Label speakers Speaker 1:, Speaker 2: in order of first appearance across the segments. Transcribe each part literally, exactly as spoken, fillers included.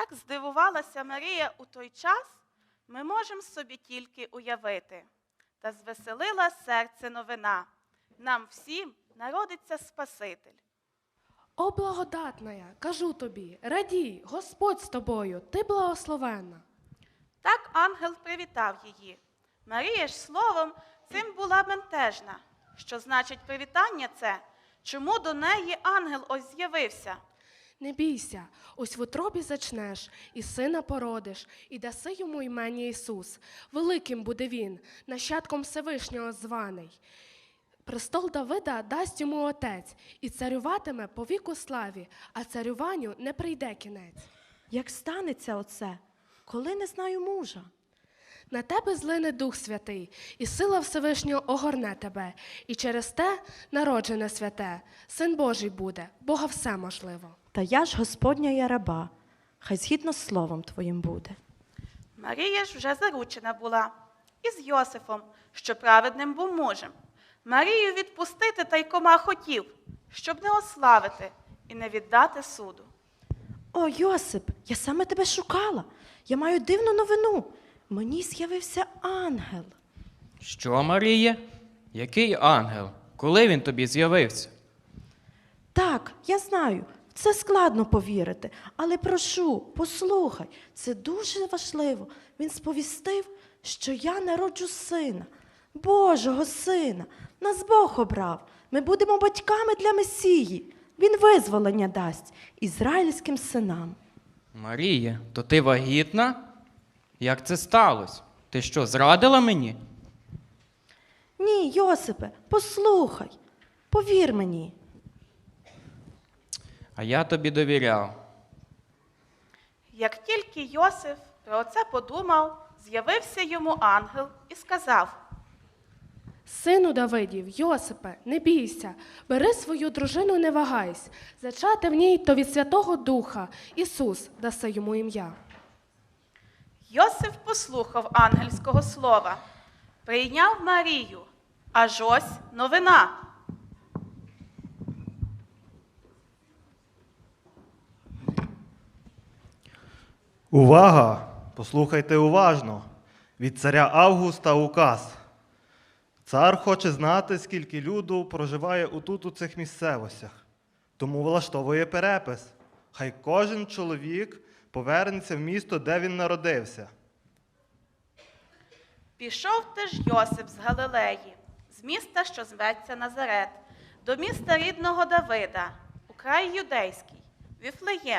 Speaker 1: Як здивувалася Марія у той час, ми можемо собі тільки уявити. Та звеселила серце новина. Нам всім народиться Спаситель.
Speaker 2: О, благодатная, кажу тобі, радій, Господь з тобою, ти благословенна.
Speaker 1: Так ангел привітав її. Марія ж словом цим була бентежна. Що значить привітання це? Чому до неї ангел ось з'явився?
Speaker 2: Не бійся, ось в утробі зачнеш, і сина породиш, і даси йому імені Ісус. Великим буде він, нащадком Всевишнього званий. Престол Давида дасть йому отець, і царюватиме по віку славі, а царюванню не прийде кінець.
Speaker 3: Як станеться оце, коли не знаю мужа?
Speaker 2: На тебе злине Дух Святий, і сила Всевишнього огорне тебе, і через те народжене святе, Син Божий буде, Бога все можливо.
Speaker 3: Та я ж Господня я раба, хай згідно з словом твоїм буде.
Speaker 1: Марія ж вже заручена була із Йосифом, що праведним був мужем. Марію відпустити тайкома хотів, щоб не ославити і не віддати суду.
Speaker 3: О, Йосип, я саме тебе шукала. Я маю дивну новину. Мені з'явився ангел.
Speaker 4: Що, Маріє? Який ангел? Коли він тобі з'явився?
Speaker 3: Так, я знаю, в це складно повірити, але прошу, послухай, це дуже важливо. Він сповістив, що я народжу сина, Божого сина. Нас Бог обрав. Ми будемо батьками для Месії. Він визволення дасть ізраїльським синам.
Speaker 4: Маріє, то ти вагітна? Як це сталося? Ти що, зрадила мені?
Speaker 3: Ні, Йосипе, послухай, повір мені.
Speaker 4: А я тобі довіряв.
Speaker 1: Як тільки Йосиф про це подумав, з'явився йому ангел і сказав:
Speaker 2: Сину Давидів, Йосипе, не бійся, бери свою дружину, не вагайсь, зачати в ній то від Святого Духа, Ісус даси йому ім'я.
Speaker 1: Йосиф послухав ангельського слова, прийняв Марію, аж ось новина.
Speaker 5: Увага! Послухайте уважно. Від царя Августа указ. Цар хоче знати, скільки люду проживає отут у цих місцевостях. Тому влаштовує перепис. Хай кожен чоловік повернеться в місто, де він народився.
Speaker 1: Пішов теж Йосип з Галилеї, з міста, що зветься Назарет, до міста рідного Давида, у край юдейський, Віфлеєм.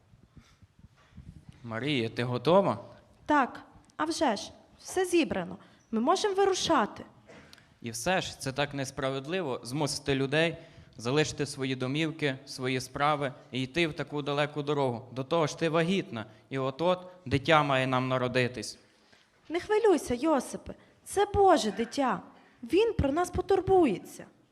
Speaker 4: Марія, ти готова?
Speaker 3: Так, а вже ж, все зібрано. Ми можемо вирушати.
Speaker 4: І все ж це так несправедливо змусити людей залишити свої домівки, свої справи і йти в таку далеку дорогу. До того ж ти вагітна, і от-от дитя має нам народитись.
Speaker 3: Не хвилюйся, Йосипе, це Боже дитя. Він про нас потурбується.